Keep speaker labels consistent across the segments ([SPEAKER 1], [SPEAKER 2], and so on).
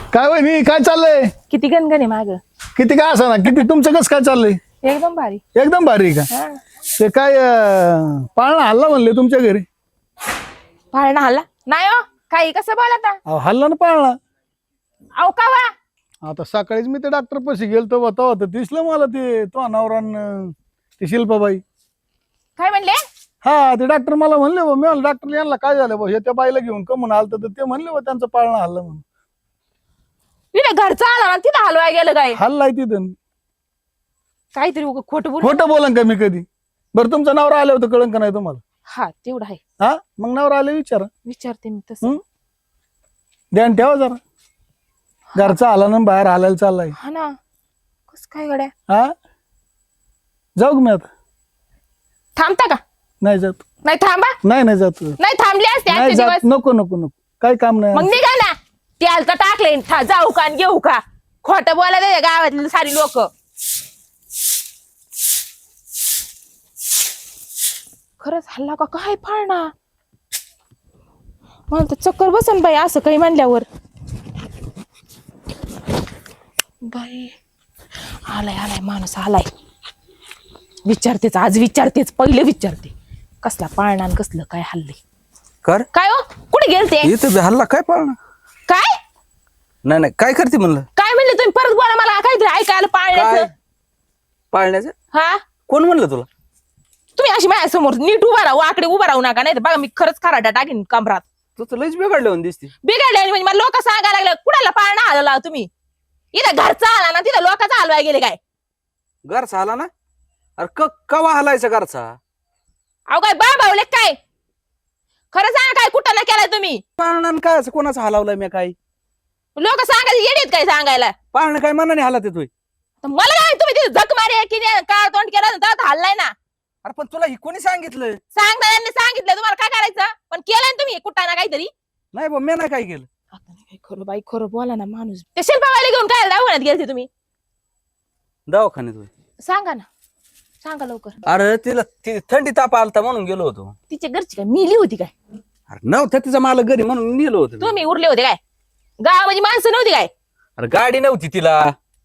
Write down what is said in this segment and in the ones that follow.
[SPEAKER 1] काय वहिनी काय चाललंय?
[SPEAKER 2] किती गणगण आहे माग.
[SPEAKER 1] किती काय असं ना किती तुमचं कसं काय चाललंय?
[SPEAKER 2] एकदम भारी.
[SPEAKER 1] एकदम भारी का?
[SPEAKER 2] हा.
[SPEAKER 1] ते काय पाळणा हल्ला म्हणले तुमच्या घरी?
[SPEAKER 2] पाळणा हल्ला नाही हो. काही कसं बोलता?
[SPEAKER 1] अहो, हल्ला ना पाळणा.
[SPEAKER 2] अहो का वा?
[SPEAKER 1] आता सकाळीच मी ते डॉक्टर पाशी गेलतो होता दिसलं मला ते तो अनावरान ती शिल्पाबाई.
[SPEAKER 2] काय म्हणले?
[SPEAKER 1] हा ते डॉक्टर मला म्हणले मी म्हणलं डॉक्टर यांना काय झालं बा हे त्या बाईला घेऊन कमून आलत तर ते म्हणले बा त्यांचं पाळणा हल्ला म्हणून.
[SPEAKER 2] तिथे घरचा आला ना तिथं हलवाय गेलं काय?
[SPEAKER 1] हल्लाय तिथं.
[SPEAKER 2] काहीतरी खोटं बोल.
[SPEAKER 1] खोटं बोलन का मी कधी? बरं तुमचं नवरा आलं होतं कळंन का नाही तुम्हाला?
[SPEAKER 2] हा तेवढं आहे.
[SPEAKER 1] हा मग नवरा आले विचारा.
[SPEAKER 2] विचारते मी तसं.
[SPEAKER 1] ध्यान ठेवा जरा. घरचा आला ना बाहेर हालायला चाललाय.
[SPEAKER 2] हा ना. कस काय गड्या?
[SPEAKER 1] हा जाऊ का मी आता?
[SPEAKER 2] थांबता का?
[SPEAKER 1] नाही जात.
[SPEAKER 2] नाही थांबा.
[SPEAKER 1] नाही जात.
[SPEAKER 2] नाही थांबले असते
[SPEAKER 1] नाही
[SPEAKER 2] आजचे
[SPEAKER 1] जात.
[SPEAKER 2] दिवस.
[SPEAKER 1] नको नको नको काही काम नाही.
[SPEAKER 2] मग निघा ना. त्याला तर टाकले जाऊ का आणि घेऊ का? खोटं बोलायला गावातली सारी लोक. खरंच हल्ला का काय फाळणा? मला तर चक्कर बसन बाई असं काही म्हणल्यावर. बाई आलाय आलाय माणूस आलाय. विचारतेच आज विचारतेच पहिले विचारते कसला पाळणा आणि कसलं काय हल्ले.
[SPEAKER 3] कर
[SPEAKER 2] काय हो कुठे गेलते?
[SPEAKER 3] इथं हल्ला काय पाळणा?
[SPEAKER 2] काय
[SPEAKER 3] नाही नाही काय करते म्हणलं?
[SPEAKER 2] काय म्हणले तुम्ही? परत बोला मला काहीतरी ऐकायला
[SPEAKER 3] काय
[SPEAKER 2] पाळण्याचं.
[SPEAKER 3] पाळण्याचं?
[SPEAKER 2] हा
[SPEAKER 3] कोण म्हणलं तुला?
[SPEAKER 2] तुम्ही अशी माझ्या समोर नीट उभा राहू वाकडे उभा राहू नका नाही तर बघा मी खरंच खराटा टाकीन कमरात.
[SPEAKER 3] तू तर लयच बिघडलं होऊन दिसते.
[SPEAKER 2] बिघडले म्हणजे मला लोक सांगायला लागले कुणाला पाळणा हलवला तुम्ही? इथं घरचा आला ना तिथं लोकांचा हलवाय गेले काय?
[SPEAKER 3] घरचा आला ना? अरे कवा हलायचा घरचा?
[SPEAKER 2] अहो काय बावले काय? खरं सांगा काय कुठं ना केलाय तुम्ही?
[SPEAKER 3] पाळणा काय असं कोणाचा हलावलाय मी काय?
[SPEAKER 2] लोक सांगायला येडेत काय सांगायला?
[SPEAKER 3] पाळणा काय मनाने हलत येतोय?
[SPEAKER 2] तर मला काय तुम्ही तिथे झक मारे की काळ तोंड केलं तर हल्लाय ना.
[SPEAKER 3] अरे पण तुला ही कोणी सांगितलं?
[SPEAKER 2] सांगणाऱ्यांनी सांगितलं तुम्हाला काय करायचं पण केलंय ना तुम्ही कुठं ना काहीतरी.
[SPEAKER 3] नाही बा मी नाही काय केलं.
[SPEAKER 2] आता नाही काय खरं बाई खरं बोला ना माणूस. ते शिल्पावाले घेऊन काय दवाखान्यात गेलते तुम्ही?
[SPEAKER 3] दवाखान्यात होय.
[SPEAKER 2] सांगा ना सांगा लवकर.
[SPEAKER 3] अरे तिला थंडी ताप आलता म्हणून गेलो होतो.
[SPEAKER 2] तिच्या घरची काय मिली होती काय?
[SPEAKER 3] अरे नव्हतं तिचा मला घरी म्हणून नेलो होतो मी.
[SPEAKER 2] तुम्ही उरले होते काय? गावामध्ये माणसं नव्हती काय?
[SPEAKER 3] अरे गाडी नव्हती तिला.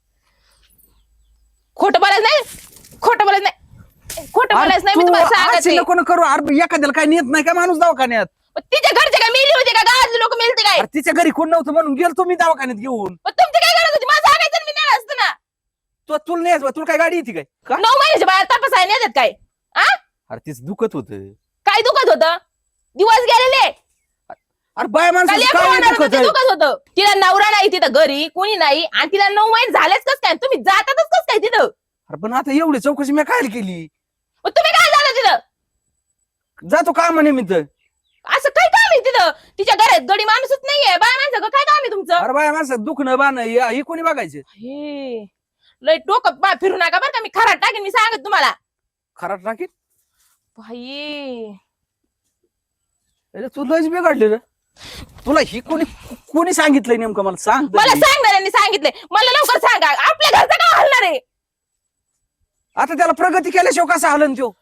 [SPEAKER 2] खोटं बोलायचं नाही. खोटं बोलायचं नाही. खोटं बोलायचं नाही मी तुम्हाला सांगते.
[SPEAKER 3] नको करू. अरे एखाद्याला काय नेत नाही का माणूस दवाखान्यात?
[SPEAKER 2] पण तिच्या घरचे काय मिली होते का? गावातले लोक मिळते काय?
[SPEAKER 3] अरे तिच्या घरी कोण नव्हतं म्हणून गेलतो मी दवाखान्यात घेऊन.
[SPEAKER 2] पण तुमची काय गरज होती? मला सांगायचं ना मी नेलं असतं ना.
[SPEAKER 3] तुला नाही तुला काय गाडी येते काय? का?
[SPEAKER 2] 9 महिन्याच्या बाहेर तपासायला नाही देत काय? आ
[SPEAKER 3] अरे तीच दुखत होत.
[SPEAKER 2] काय दुखत होतं? दिवस गेलेले.
[SPEAKER 3] अरे बाय
[SPEAKER 2] काल
[SPEAKER 3] माणसाचं
[SPEAKER 2] एक
[SPEAKER 3] काय
[SPEAKER 2] होणार होतं
[SPEAKER 3] दुखत
[SPEAKER 2] ते
[SPEAKER 3] आहे?
[SPEAKER 2] दुखत होतं. तिला नवरा नाही तिथं घरी कोणी नाही आणि तिला 9 महिने झालेच कस काय? तुम्ही जातातच कस काय तिथं?
[SPEAKER 3] अरे पण आता एवढी चौकशी मी काय केली?
[SPEAKER 2] मग तुम्ही काय झालं तिथं?
[SPEAKER 3] जातो कामानिमित्त.
[SPEAKER 2] असं काय काम आहे तिथं? तिच्या घरात गडी माणूसच नाहीये. बाय माणसं काय काम आहे तुमचं?
[SPEAKER 3] अरे बाय माणसं दुखणं बाण हे कोणी बघायचं?
[SPEAKER 2] हे लय डोकं बा फिरू नका बरं का मी खराट टाकेन मी सांगत तुम्हाला.
[SPEAKER 3] खराट टाकीत
[SPEAKER 2] भाई
[SPEAKER 3] तू लयच बिघडली रे. तुला ही कोणी सांगितलंय नेमकं मला सांग तरी.
[SPEAKER 2] मला सांगणाऱ्यांनी सांगितलंय. मला लवकर सांगा आपल्या घरचं काय हलणार आहे?
[SPEAKER 3] आता त्याला प्रगती केल्याशिवाय कसा हलन त्यो?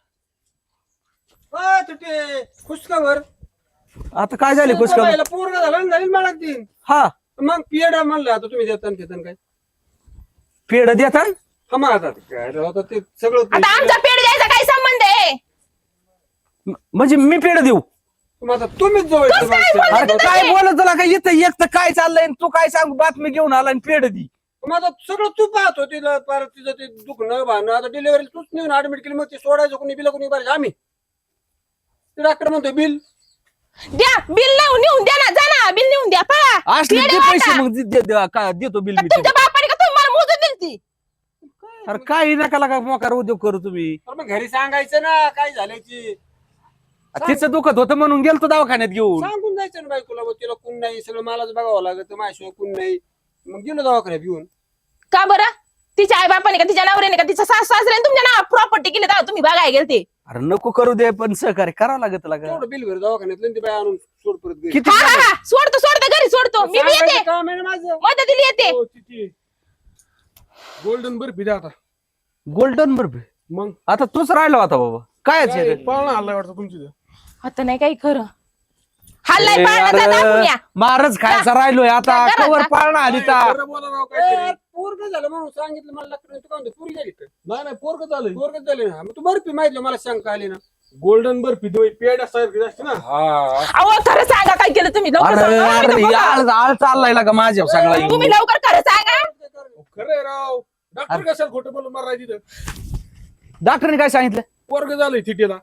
[SPEAKER 4] खुशखबर.
[SPEAKER 3] आता काय झाली खुशखबर?
[SPEAKER 4] पूर्ण झालं झाली मला तीन.
[SPEAKER 3] हा
[SPEAKER 4] मग पिएड म्हणलं आता तुम्ही देता देता काय?
[SPEAKER 3] पेड देता?
[SPEAKER 4] हा मग आता काय रे, आता ते सगळं
[SPEAKER 2] आता आमचा पेड द्यायचा काय संबंध आहे?
[SPEAKER 3] म्हणजे मी पेड देऊ?
[SPEAKER 4] मग आता तुम्हीच जवळ
[SPEAKER 2] कसं काय बोलता?
[SPEAKER 3] अरे काय बोलत तुला काय येतं एक तर काय चाललंय आणि तू काय सांगू बातमी घेऊन आला आणि पेड दी.
[SPEAKER 4] मग आता सगळं तू पाहतो तिला परत तिचं ते दुखणं भाणं आता डिलिव्हरी तूच नेऊन ऍडमिट केली मग ते सोडायचं कोणी बिल कोणी भरायचं आम्ही. ते डॉक्टर म्हणतोय बिल
[SPEAKER 2] द्या बिल नेऊन द्या ना जा ना बिल नेऊन द्या पळा.
[SPEAKER 3] असले
[SPEAKER 2] पेढे
[SPEAKER 3] ते
[SPEAKER 2] वाटा.
[SPEAKER 3] पैसे मग देतो बिल
[SPEAKER 2] का
[SPEAKER 3] मी.
[SPEAKER 2] तुमच्या बापाने का तुम्हाला मोजून दिलती?
[SPEAKER 3] अरे काय नका लागा मोकार उद्योग करू तुम्ही.
[SPEAKER 4] तर मग घरी सांगायचं ना काय झालंय ती
[SPEAKER 3] तिचं दुखत होतं म्हणून गेलतो दवाखान्यात घेऊन.
[SPEAKER 4] सांगून जायचं ना बायकोला मग तिला कोण नाही सगळं मलाच बघावं लागत माझ्याशिवाय कोण नाही. मग गेलो दवाखान्यात घेऊन.
[SPEAKER 2] का बरं? तिच्या आई बापाने का तिच्या नवऱ्याने का तिच्या सासऱ्याने तुमच्या नाव प्रॉपर्टी केली तेव्हा तुम्ही बघायला गेलते.
[SPEAKER 3] अरे नको करू दे पण सहकार्य करावं लागत लागा.
[SPEAKER 4] तेवढं बिल भर दवाखान्यात ती बाय आणून सोड परत घरी.
[SPEAKER 3] किती
[SPEAKER 2] हा हा हा सोडतो घरी सोडतो मी बी येते
[SPEAKER 4] सांगायचं काम आहे ना माझं.
[SPEAKER 2] मदतीला येते.
[SPEAKER 4] हो, तिची गोल्डन बर्फी द्या आता.
[SPEAKER 3] गोल्डन बर्फी?
[SPEAKER 4] मग
[SPEAKER 3] आता तूच राहिला होता बाबा. काय
[SPEAKER 4] पाळणा हल्ला वाटतं तुमची.
[SPEAKER 2] आता नाही काही खरं. हल्लाय पाळण्याचा दाखवून या.
[SPEAKER 3] मारच खायचा राहिलोय आता
[SPEAKER 2] जा, जा,
[SPEAKER 3] कवर
[SPEAKER 2] जा.
[SPEAKER 3] पाळणा आली ता
[SPEAKER 5] खरं बोला राव काहीतरी.
[SPEAKER 4] पोरग झालं म्हणून सांगितलं मला डॉक्टर तू काय म्हणतो पुरी झाली का?
[SPEAKER 5] नाही नाही पोरग झालंय
[SPEAKER 4] पोरग झाले ना मग तू बर्फी माहिती मला शंका आली ना.
[SPEAKER 5] गोल्डन बर्फी पेड्यासारखी असते ना.
[SPEAKER 2] अहो खरं सांगा काय केलं तुम्ही लवकर
[SPEAKER 3] अरे
[SPEAKER 2] सांगा. आम्ही
[SPEAKER 3] अरे
[SPEAKER 2] तर बघा.
[SPEAKER 3] आळ चाललाय का माझ्या सगळा येऊन.
[SPEAKER 2] तुम्ही लवकर खरं सांगा.
[SPEAKER 5] खरंय राव डॉक्टर कशाला खोटं बोलून मारायची तिथं.
[SPEAKER 3] डॉक्टरने काय सांगितलं
[SPEAKER 5] पोरग झालंय थिटीला.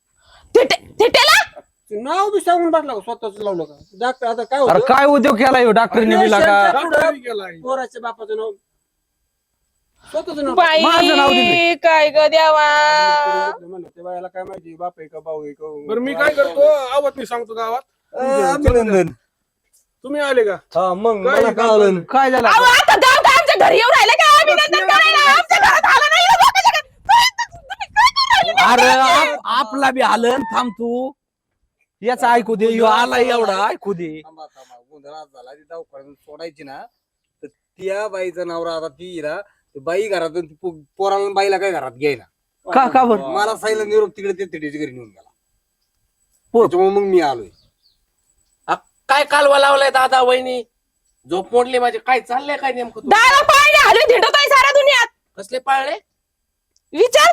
[SPEAKER 2] थिटेला
[SPEAKER 4] नाव बी सांगून टाकलं का स्वतःच लावलं का डॉक्टर आता काय
[SPEAKER 3] अरे
[SPEAKER 4] होतं
[SPEAKER 3] काय उद्योग केलाय हो डॉक्टरने मिला का
[SPEAKER 5] डॉक्टरने केलाय.
[SPEAKER 4] पोराच्या बापाचं नाव स्वतःच नाव
[SPEAKER 3] माझं नाव
[SPEAKER 2] बाई
[SPEAKER 3] दिलंय.
[SPEAKER 2] काय ग देवा.
[SPEAKER 4] म्हणलं ते बायाला काय माहिती बाप आहे का भाऊ आहे का
[SPEAKER 5] बरं मी काय करतो आवत नाही सांगतो गावात.
[SPEAKER 4] अभिनंदन
[SPEAKER 5] तुम्ही आले का.
[SPEAKER 4] हा मग
[SPEAKER 5] काय
[SPEAKER 4] मला कळलं
[SPEAKER 3] काय झालं
[SPEAKER 2] अहो आता गाव काय आमच्या घरी येऊन राहिले का अभिनंदन करायला आमच्या घरात आलं नाही ना लोकांच्या घरी. तुम्ही काय करू राहिले?
[SPEAKER 3] अरे आपला बी आलं थांब तू याचा ऐकू दे ह्यो आला एवढा ऐकू दे
[SPEAKER 4] थांबा गोंधळात झाला ती दवाखान्यात सोडायची ना तर त्या बाईचा नवरा आता ती ना ती बाई घरातून ती पोराला आणि बाईला काय घरात घ्यायला
[SPEAKER 3] का बरं
[SPEAKER 4] मला साईला निरोप तिकडे ते तिकडे घरी नेऊन गेला
[SPEAKER 3] पोर.
[SPEAKER 4] त्याच्यामुळे मग मी आलोय
[SPEAKER 6] काय कालवा लावलाय दादा वहिनी झोप मोडली माझी काय चाललंय काय नेमकं तू
[SPEAKER 2] दारा पाळणे हलवी धिंडतोय साऱ्या दुनियात.
[SPEAKER 6] कसले पाळले
[SPEAKER 2] विचार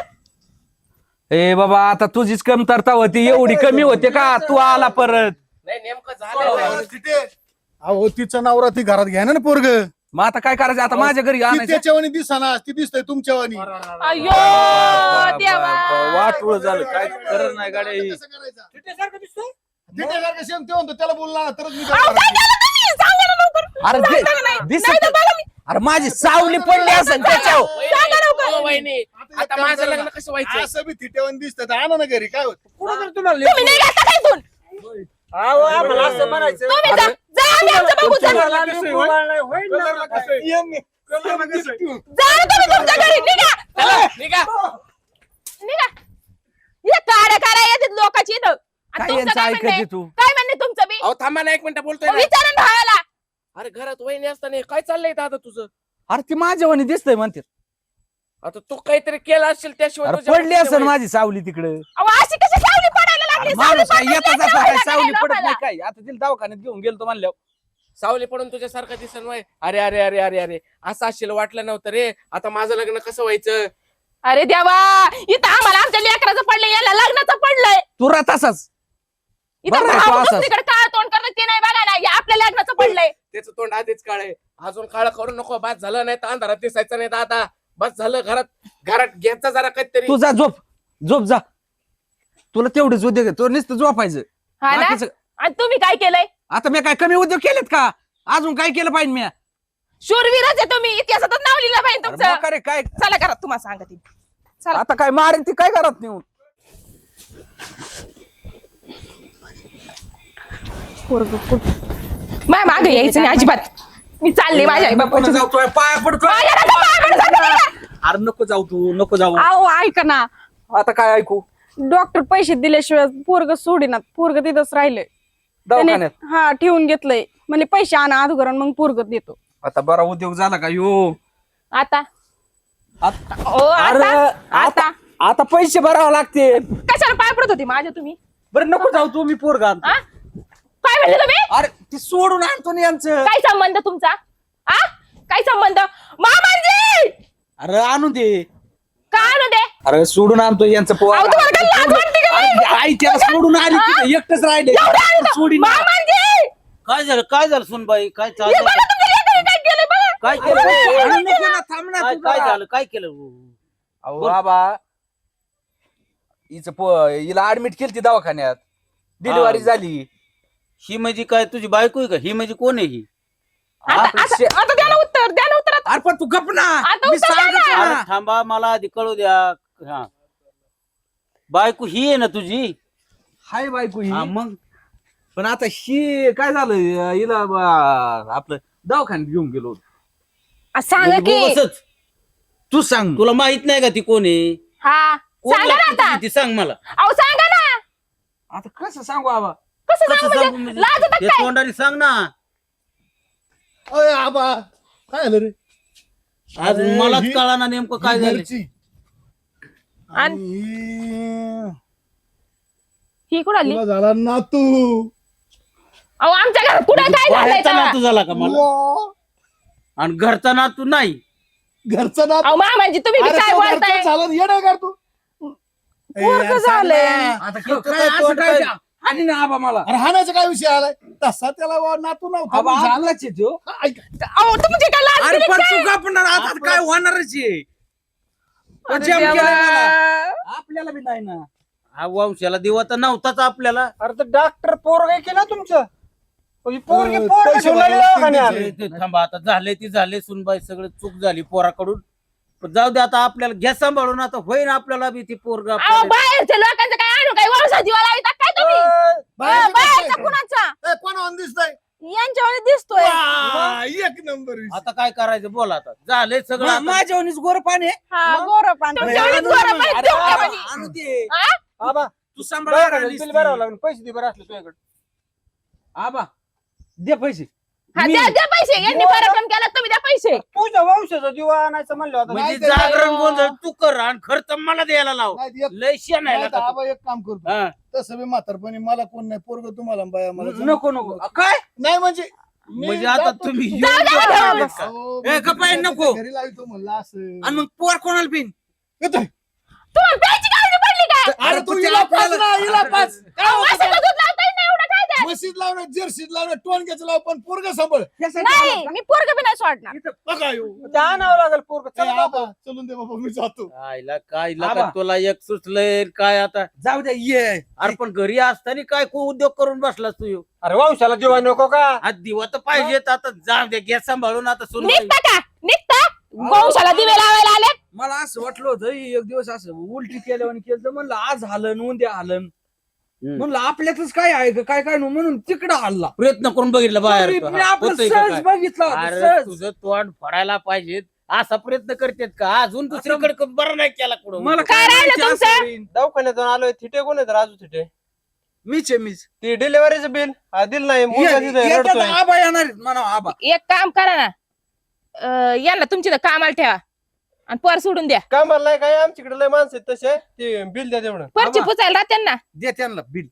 [SPEAKER 3] ए बाबा आता तुझीच कमतरता होती एवढी कमी होते का तू आला परत
[SPEAKER 6] नाही नेमकं झालं काय?
[SPEAKER 1] अहो तिचं नवरा ती घरात घ्या ना पोरग
[SPEAKER 3] मग आता काय करायचं आता माझ्या घरी आणायचं
[SPEAKER 1] त्याच्यावानी दिसाना ती दिसतंय तुमच्यावानी
[SPEAKER 2] अयो देवा.
[SPEAKER 3] वाटूळ झालं काय करत नाही गाडी
[SPEAKER 1] कसं करायचं?
[SPEAKER 4] तिच्यासारखं दिसतंय
[SPEAKER 1] तिच्यासारखं सेम ते म्हणतो त्याला बोलला ना तरच मी
[SPEAKER 2] अहो, काय केलं तुम्ही? सांगा ना लवकर.
[SPEAKER 3] अरे
[SPEAKER 2] सांगा ना नाही.
[SPEAKER 3] दिसत
[SPEAKER 2] नाही तर बघा मी.
[SPEAKER 3] अरे माझी सावली पडली असेल त्याच्यावर
[SPEAKER 2] सांगा लवकर.
[SPEAKER 6] हो, वहिनी आता माझं लग्न कसं व्हायचं
[SPEAKER 1] असं बी तिच्यावानी दिसतं आणा ना घरी काय होत
[SPEAKER 4] कुठं तर तुम्हाला
[SPEAKER 2] तुम्ही नाही घातला काय इथून?
[SPEAKER 4] अहो, आम्हाला असं म्हणायचं
[SPEAKER 2] तुम्ही जा. जा आम्ही आमचं बघू चला.
[SPEAKER 4] तुम्हाला लिंबू वाळलंय, होईल ना?
[SPEAKER 5] कलरला कसं आहे? कलरला कसं आहे?
[SPEAKER 2] जा ना तुम्ही तुमच्या घरी. निघा.
[SPEAKER 6] चला, निघा
[SPEAKER 2] निघा. हे काड्या काड्या येतात लोकांची इथं. आणि
[SPEAKER 3] काय
[SPEAKER 2] तुमचं
[SPEAKER 3] यांचं
[SPEAKER 2] काय
[SPEAKER 3] ऐकत
[SPEAKER 2] म्हणणं
[SPEAKER 3] आहे
[SPEAKER 2] आहे?
[SPEAKER 3] तू
[SPEAKER 2] काय म्हणणे तुमचं बी?
[SPEAKER 6] अहो थांबा ना एक मिनिट बोलतोय ना.
[SPEAKER 2] विचारा ना भावाला.
[SPEAKER 6] अरे घरात वहिनी असताना हे काय चाललंय दादा तुझं
[SPEAKER 3] अरे ती माझ्यावानी दिसतंय म्हणते
[SPEAKER 6] आता तू काहीतरी केलं असेल त्याशिवाय
[SPEAKER 3] अरे
[SPEAKER 6] तुझ्या
[SPEAKER 3] पडली
[SPEAKER 6] वहिनीच्या
[SPEAKER 3] असेल
[SPEAKER 6] वहिनी-
[SPEAKER 3] माझी सावली तिकडे
[SPEAKER 2] अहो, अशी कशी सावली पडायला लागली? सावली
[SPEAKER 3] माणूस काय
[SPEAKER 2] पडली
[SPEAKER 3] येता
[SPEAKER 2] नाही
[SPEAKER 3] जाता काय
[SPEAKER 2] लोकांना.
[SPEAKER 3] सावली पडत नाही
[SPEAKER 2] लोकांना.
[SPEAKER 3] काय आता तिला दवाखान्यात घेऊन गेलो म्हणल्यावर
[SPEAKER 6] सावली पडून तुझ्यासारखं दिसन वय अरे अरे अरे अरे अरे असं असेल वाटलं नव्हतं रे आता माझं लग्न कसं व्हायचं
[SPEAKER 2] अरे देवा, इथं आम्हाला आमच्या लेकराचं पडलंय, याला लग्नाचं पडलंय.
[SPEAKER 3] तुरा तसाच
[SPEAKER 2] इथं
[SPEAKER 3] बरं आहे तो
[SPEAKER 2] भाऊ
[SPEAKER 3] असाच.
[SPEAKER 2] दुसरीकडे काळ तोंड करत ते नाही बघा ना, हे आपल्या लग्नाचं पडलंय.
[SPEAKER 6] त्याचं तोंड आधीच काळ आहे अजून काळ करू नको बस झालं नाही तर अंधारात दिसायचं नाही दादा बस झालं घरात घ्यायचा जरा काहीतरी
[SPEAKER 3] तू जा झोप जा तुला तेवढेच उद्योग आहे. तो नुसतं झोपायचं
[SPEAKER 2] हा ना?
[SPEAKER 3] बाकीचं-
[SPEAKER 2] आणि तुम्ही काय केलंय?
[SPEAKER 3] आता मी काय कमी उद्योग केलेत का अजून काय केलं पाहिजे मी
[SPEAKER 2] शूरवीरच आहे तुम्ही, इतिहासातच नाव लिहिलं पाहिजे
[SPEAKER 3] अरे
[SPEAKER 2] तुमचं.
[SPEAKER 3] रे काय
[SPEAKER 2] चला करा, तुम्हाला सांगा ती. चला.
[SPEAKER 3] आता काय मारेन ती काय करत नेऊन
[SPEAKER 2] माझ्या मागे यायचं नाही अजिबात. मी चालले माझ्या आई बापाच्या.
[SPEAKER 3] जाऊतोय पाया पडतोय
[SPEAKER 2] माझ्या नका पाया पडू, जाते नाही का?
[SPEAKER 3] अरे नको जाऊ
[SPEAKER 7] अहो ऐका ना,
[SPEAKER 3] आता काय ऐकू
[SPEAKER 7] डॉक्टर पैसे दिल्याशिवाय पोरग सोडीनात. पोरग तिथंच राहिलंय.
[SPEAKER 3] दवाखान्यात
[SPEAKER 7] हा ठेवून घेतलंय. म्हणजे पैसे आणा अगोदर मग पोरग देतो.
[SPEAKER 3] आता बरा उद्योग झाला का यो
[SPEAKER 2] आता
[SPEAKER 3] आता-
[SPEAKER 2] ओ
[SPEAKER 3] अरे
[SPEAKER 2] आता
[SPEAKER 3] आता आता पैसे भरावे लागते
[SPEAKER 2] कशाला पाय पडत होती माझ्या तुम्ही?
[SPEAKER 3] बरं नको जाऊ तू मी पोरगा आणतो.
[SPEAKER 2] आ? काय म्हणले तुम्ही?
[SPEAKER 3] अरे ती सोडून आणतो ना यांचं
[SPEAKER 2] काय संबंध तुमचा? आ? काय संबंध? मामांजी
[SPEAKER 3] अरे आणून दे
[SPEAKER 2] का आणू दे?
[SPEAKER 3] अरे सोडून आणतो यांचं पोर
[SPEAKER 2] अहो, तुम्हाला काय लाज वाटते का नाही?
[SPEAKER 3] आई त्याला सोडून आली तिथे एकटच राहिले
[SPEAKER 2] एवढं आणू दे.
[SPEAKER 3] सोडीन
[SPEAKER 2] मामांजी!
[SPEAKER 8] काय झालं सुनबाई काय
[SPEAKER 2] हे
[SPEAKER 8] चाललंय
[SPEAKER 2] बघा तुमच्या लेकराने काय केलंय बघा.
[SPEAKER 8] काय
[SPEAKER 3] अरे,
[SPEAKER 8] केलं
[SPEAKER 3] आणू नको ना, थांब ना
[SPEAKER 8] काय
[SPEAKER 3] तू
[SPEAKER 8] काय
[SPEAKER 3] जरा.
[SPEAKER 8] झालं काय केलं
[SPEAKER 3] अहो बाबा हिला ऍडमिट केली दवाखान्यात डिलिव्हरी झाली
[SPEAKER 8] ही म्हणजे काय तुझी बायको आहे का ही म्हणजे कोण आहे ही
[SPEAKER 2] आता द्या ना उत्तर, द्या ना उत्तर आता.
[SPEAKER 3] अरे पण तू गप ना
[SPEAKER 2] आता
[SPEAKER 3] मी
[SPEAKER 2] उत्तर द्या
[SPEAKER 3] सांगत
[SPEAKER 2] ना.
[SPEAKER 8] अरे
[SPEAKER 3] ना.
[SPEAKER 8] थांबा मला आधी कळू द्या हा बायको ही आहे ना तुझी
[SPEAKER 3] हाय बायको ही
[SPEAKER 8] हा मग
[SPEAKER 3] पण आता ही काय झालं हिला आपलं दवाखान्यात घेऊन गेलो
[SPEAKER 2] आ, सांगा की.
[SPEAKER 8] बसच
[SPEAKER 3] तू सांग
[SPEAKER 8] तुला माहित नाही का ती कोण आहे
[SPEAKER 2] हा
[SPEAKER 8] कोण
[SPEAKER 2] सांगा ना
[SPEAKER 8] लागते
[SPEAKER 2] आता.
[SPEAKER 8] तुझी ती सांग मला
[SPEAKER 2] अहो सांगा ना.
[SPEAKER 3] आता कसं सांगू बाबा
[SPEAKER 2] कसं
[SPEAKER 8] कसं
[SPEAKER 2] सांगू
[SPEAKER 8] सांगू
[SPEAKER 2] म्हणजे?
[SPEAKER 8] म्हणजे?
[SPEAKER 2] लाज येतात
[SPEAKER 8] ते
[SPEAKER 2] काय?
[SPEAKER 8] तोंडाने सांग ना
[SPEAKER 1] अय आबा काय झालं रे
[SPEAKER 8] आज
[SPEAKER 1] अरे,
[SPEAKER 8] मलाच
[SPEAKER 1] ही-
[SPEAKER 8] कळा ना नेमकं काय
[SPEAKER 1] ही
[SPEAKER 8] झालं
[SPEAKER 1] घरची.
[SPEAKER 2] आणि
[SPEAKER 1] आणि
[SPEAKER 2] ही कुठं आली?
[SPEAKER 1] तुला झाला नातू
[SPEAKER 2] अहो आमच्या घरात कुठे काय झालंय
[SPEAKER 8] बाहेरचा
[SPEAKER 2] तेव्हा?
[SPEAKER 8] नातू झाला का मला
[SPEAKER 1] वा,
[SPEAKER 8] आणि घरचा नातू नाही.
[SPEAKER 1] घरचं नातू.
[SPEAKER 2] अहो मामाजी तुम्ही बी
[SPEAKER 1] अरे
[SPEAKER 2] काय
[SPEAKER 1] तो
[SPEAKER 2] बोलताय
[SPEAKER 1] घरचं झालं येडं कर तू.
[SPEAKER 7] पोरगं झालंय.
[SPEAKER 3] आता काय असं काय आणि ना आबा मला
[SPEAKER 1] अरे हाणायचा काय विषय आलाय तसा त्याला वा नातू नव्हता
[SPEAKER 3] आबा
[SPEAKER 1] पण झाला.
[SPEAKER 3] आलाच आहे तो.
[SPEAKER 1] ऐक,
[SPEAKER 2] अहो तुमची काय लाज
[SPEAKER 3] अरे
[SPEAKER 2] बिलीज
[SPEAKER 3] पण
[SPEAKER 2] काय?
[SPEAKER 3] चुका पण आता काय होणारच आहे तो
[SPEAKER 2] अरे
[SPEAKER 3] जम
[SPEAKER 2] देवा.
[SPEAKER 3] केलाय मला. आपल्याला बी नाही ना.
[SPEAKER 8] हा वंशाला दिवा तर नव्हताच आपल्याला.
[SPEAKER 4] अरे तर डॉक्टर पोरग केलं तुमचं पोरगी
[SPEAKER 1] पैसे
[SPEAKER 4] पोरग ठेवून आली
[SPEAKER 1] भरायला
[SPEAKER 4] दवाखान्यात.
[SPEAKER 1] लागतील
[SPEAKER 8] ते थांबा आता झाले ती झाले सुनबाई सगळं चूक झाली पोराकडून. पण जाऊ दे आता आपल्याला घ्या सांभाळून आता होईन आपल्याला बी ती पोरग
[SPEAKER 2] अहो बाहेरच्या लोकांचं काय आणू काय वंशात दिवा लाविता काय तुम्ही
[SPEAKER 1] बाहेरचं
[SPEAKER 7] बाहेरचा
[SPEAKER 1] दिसतंय.
[SPEAKER 7] कुणाचा
[SPEAKER 1] ए, कोणावर दिसतंय
[SPEAKER 7] यांच्यावर दिसतोय.
[SPEAKER 1] वा, एक नंबर विषय.
[SPEAKER 8] आता काय करायचं बोला आता झालंय सगळं आता.
[SPEAKER 3] माझ्यावनीच गोर पाणी आहे.
[SPEAKER 7] हा गोरं पांढरं.
[SPEAKER 2] तुमच्या एवढीच गोरं पाणी
[SPEAKER 3] अरे
[SPEAKER 2] ठेवून
[SPEAKER 3] आबा,
[SPEAKER 2] ठेवा.
[SPEAKER 3] आणू दे.
[SPEAKER 2] हा?
[SPEAKER 4] आबा
[SPEAKER 3] तू सांभाळ
[SPEAKER 4] दवाखान्यात बिल भरावं लागेल पैसे दे बरं असलं तुझ्याकडे.
[SPEAKER 3] आबा दे पैसे.
[SPEAKER 2] हा द्या द्या पैसे यांनी पराक्रम केला तुम्ही द्या पैसे
[SPEAKER 4] तुझ्या वंशाचा दिवा आणायचं म्हणलं होतं.
[SPEAKER 8] म्हणजे
[SPEAKER 1] नाही ते
[SPEAKER 8] जागरण
[SPEAKER 1] नाही.
[SPEAKER 8] गोंधळ तू कर आणि खर्च मला द्यायला लाव.
[SPEAKER 1] नाही, एक-
[SPEAKER 8] लय शेण
[SPEAKER 1] नाही,
[SPEAKER 8] आहे
[SPEAKER 1] तर आबा एक काम करतो
[SPEAKER 8] हा.
[SPEAKER 1] तसं बी म्हातारपणी मला कोण नाही पोरग तुम्हाला बाया मला
[SPEAKER 3] नको नको काय
[SPEAKER 1] नाही म्हणजे मी
[SPEAKER 8] म्हणजे आता
[SPEAKER 1] जातो.
[SPEAKER 8] तुम्ही
[SPEAKER 2] जाऊ द्या,
[SPEAKER 8] योग्य
[SPEAKER 2] जाऊ
[SPEAKER 8] बोललेत का?
[SPEAKER 1] अहो,
[SPEAKER 3] ए,
[SPEAKER 1] मी
[SPEAKER 3] गप्पा आहे,
[SPEAKER 1] त्याच्या
[SPEAKER 3] नको.
[SPEAKER 1] घरी लावतो म्हणलं असं
[SPEAKER 3] आणि मग पोर कोणाला पिन
[SPEAKER 1] येतोय.
[SPEAKER 2] तुम्हाला प्यायची काळजी पडली काय
[SPEAKER 1] अरे तू
[SPEAKER 3] पण
[SPEAKER 1] हिला
[SPEAKER 3] ते
[SPEAKER 1] पाच
[SPEAKER 3] आपल्याला-
[SPEAKER 1] ना हिला पाच काय
[SPEAKER 2] अहो,
[SPEAKER 1] होतं
[SPEAKER 2] असं
[SPEAKER 1] काय?
[SPEAKER 2] तर दूध लावता येत नाही एवढं काय द्या
[SPEAKER 1] म्हशीत लावणं जर्सीत लावणं टोनक्याचं लाव पण पोरग सांभाळ
[SPEAKER 7] नाही मी पोरग बी नाही सोडणार.
[SPEAKER 1] बघा ह्यो.
[SPEAKER 4] ते आणावं लागेल पोरग.
[SPEAKER 1] ए, आबा, चलून दे बाबा मी जातो
[SPEAKER 8] आईला काय
[SPEAKER 3] आबा.
[SPEAKER 8] का तुला एक सुचलंय काय आता
[SPEAKER 3] जाऊ द्या ये
[SPEAKER 8] अरे पण घरी असताना काय उद्योग करून बसलास तू ह्यो?
[SPEAKER 4] अरे वंशाला दिवा नको का
[SPEAKER 8] आज दिवा तर पाहिजेत आता जाऊ दे घ्या सांभाळून आता सुरू
[SPEAKER 2] निघता का निघता वंशाला दिवे लावायला आले
[SPEAKER 3] मला असं वाटलं होतं एक दिवस असं उलटी केल्यावर केलं तर म्हणलं आज हालन उद्या हालन म्हणलं आपल्यातच काय आहे का काय काय म्हणून तिकडं हल्ला
[SPEAKER 8] प्रयत्न करून बघितलं बाहेर तो.
[SPEAKER 3] मी
[SPEAKER 8] हा,
[SPEAKER 3] आपलं
[SPEAKER 8] होतंय का
[SPEAKER 3] सहज
[SPEAKER 8] काय?
[SPEAKER 3] बघितलं होतं,
[SPEAKER 8] अरे
[SPEAKER 3] सहज.
[SPEAKER 8] तुझं तोंड फोडायला पाहिजेत असा प्रयत्न करतेत का अजून दुसरीकडे बरं नाही केला कुठं
[SPEAKER 3] मला
[SPEAKER 2] काय राहिलं
[SPEAKER 3] माहिती
[SPEAKER 2] तुमचं?
[SPEAKER 3] असं होईन.
[SPEAKER 4] दवाखान्यातून आलोय थिटे कोण आहे राजू थिटे
[SPEAKER 3] मीच आहे मीच
[SPEAKER 4] ती डिलिव्हरीचं बिल दिलं नाही मुलगा तिथं आहे,
[SPEAKER 3] येतात
[SPEAKER 4] रडतोय.
[SPEAKER 3] आबा येणार आहेत, म्हणा आबा
[SPEAKER 2] एक काम करा ना यांना तुमची तर कामाला ठेवा आणि पोर सोडून द्या
[SPEAKER 4] कामाला नाही काय आमच्याकडे लय माणसं आहेत तसे ते बिल द्या तेवढं
[SPEAKER 2] परची पुचायला राहते ना
[SPEAKER 3] दे त्यांना बिल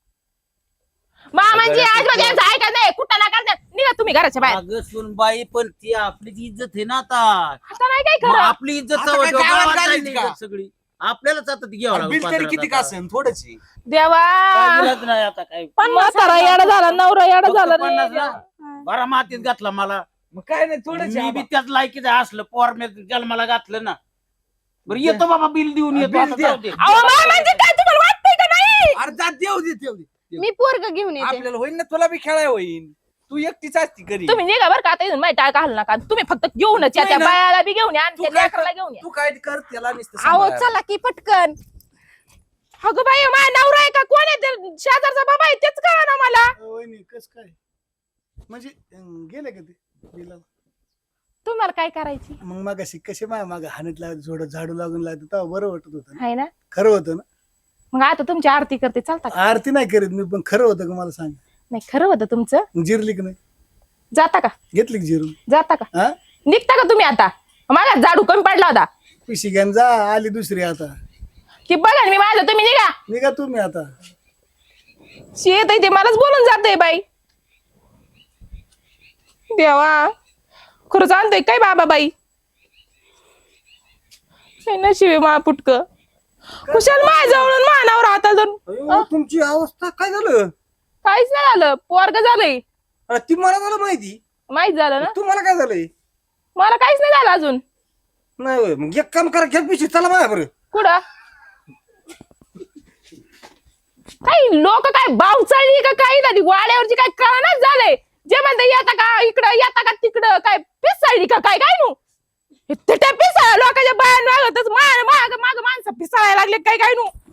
[SPEAKER 2] मामांची आजोबा यांचं ऐका नाही कुठं ना करतात निघा तुम्ही घराच्या बाहेर
[SPEAKER 8] अगं सुनबाई पण ती आपलीच इज्जत आहे ना आता
[SPEAKER 2] आता नाही काय
[SPEAKER 8] मग
[SPEAKER 2] खरं
[SPEAKER 8] आपली इज्जत
[SPEAKER 3] आता
[SPEAKER 8] चव्हाट्यावर
[SPEAKER 3] काय गावात
[SPEAKER 8] गावात
[SPEAKER 3] झालीच
[SPEAKER 8] नाही
[SPEAKER 3] का?
[SPEAKER 8] इज्जत सगळी आपल्यालाच आता ती घ्यावं
[SPEAKER 3] बिल तरी किती का
[SPEAKER 8] लागेल
[SPEAKER 3] असेल थोडंच आहे.
[SPEAKER 2] देवा
[SPEAKER 8] नाही आता काय
[SPEAKER 2] म्हातारा येडा झाला नवरा येडा झाला रे.
[SPEAKER 8] 50 ना? बरा मातीत घातला मला
[SPEAKER 3] मग काय नाही थोडंच आहे
[SPEAKER 8] मी बी
[SPEAKER 3] आबा.
[SPEAKER 8] त्याच लायकीच असलं पोर मी जन्माला घातलं ना बरं येतो बाबा बिल देऊन येतो
[SPEAKER 3] बिल
[SPEAKER 8] आता
[SPEAKER 3] द्या.
[SPEAKER 8] जाऊ दे.
[SPEAKER 2] अहो मामांची काय तुम्हाला वाटतंय का नाही
[SPEAKER 3] अरे जा देऊ दे
[SPEAKER 7] मी पोरग घेऊन येते.
[SPEAKER 3] आपल्याला होईन ना तुला बी खेळाय होईन तू एकटीच असती घरी
[SPEAKER 2] तुम्ही निघा बरं का आता इथून माहिती घालू नका तुम्ही फक्त घेऊनच या
[SPEAKER 3] नाही
[SPEAKER 2] त्या
[SPEAKER 3] ना.
[SPEAKER 2] बायाला बी घेऊन या आणि
[SPEAKER 3] तू
[SPEAKER 2] त्या
[SPEAKER 3] काय
[SPEAKER 2] लेकराला
[SPEAKER 3] कर-
[SPEAKER 2] घेऊन या
[SPEAKER 3] तू काय कर त्याला नुसतं
[SPEAKER 7] अहो
[SPEAKER 3] सांभाळ.
[SPEAKER 7] चला की पटकन.
[SPEAKER 2] अगं बाई माझा नवरा आहे का कोण आहे ते शेजारचा बाबा आहे तेच कळा ना मला
[SPEAKER 1] वहिनी कस काय म्हणजे गेले का ते बिलाला?
[SPEAKER 2] तुम्हाला काय करायची
[SPEAKER 1] मग मग अशी कशी माझ्या माग हाणत लागत झोडत झाडू लागून लागत तेव्हा बरं वाटत होतं ना
[SPEAKER 2] आहे ना
[SPEAKER 1] खरं होतं ना
[SPEAKER 2] मग आता तुमची आरती करते चालता का
[SPEAKER 1] आरती नाही करीत मी पण खरं होतं का मला सांग
[SPEAKER 2] नाही खरं होतं तुमचं
[SPEAKER 1] मग जिरली की नाही
[SPEAKER 2] जाता का
[SPEAKER 1] घेतली की जिरून
[SPEAKER 2] जाता का
[SPEAKER 1] हा
[SPEAKER 2] निघता का तुम्ही आता मला झाडू कमी पडला होता
[SPEAKER 1] पिशी घ्यान जा आली दुसरी आता
[SPEAKER 2] की बघा ना मी माझं तुम्ही निघा
[SPEAKER 1] निघा तुम्ही आता
[SPEAKER 2] शेत आहे ते मलाच बोलून जाते बाई देवा खरंच आणतोय काय बाबा बाई नशिबे मा पुटक कुशाल माझ्याजवळून मानावर हाता धरून
[SPEAKER 3] अयो, तुमची अवस्था काय झालं
[SPEAKER 2] काहीच नाही झालं पोरग झालंय
[SPEAKER 3] अरे ती मला झालं माहिती
[SPEAKER 2] माहित झालं ना
[SPEAKER 3] तुम्हाला काय झालंय
[SPEAKER 2] मला काहीच नाही झालं अजून
[SPEAKER 3] नाही होय. मग एक काम करा घ्या पिशी चला माझ्या बरं
[SPEAKER 2] कुठं काही लोक काय बावचाळली का काही झाली वाड्यावरची काय कळणाच झालंय जे म्हणते येता का इकडं येता का तिकडं काय पिसाळली का काय काय नू पिसाळ लोकांच्या बाया मागतच माग माग माणसं पिसाळायला लागले काय काय नू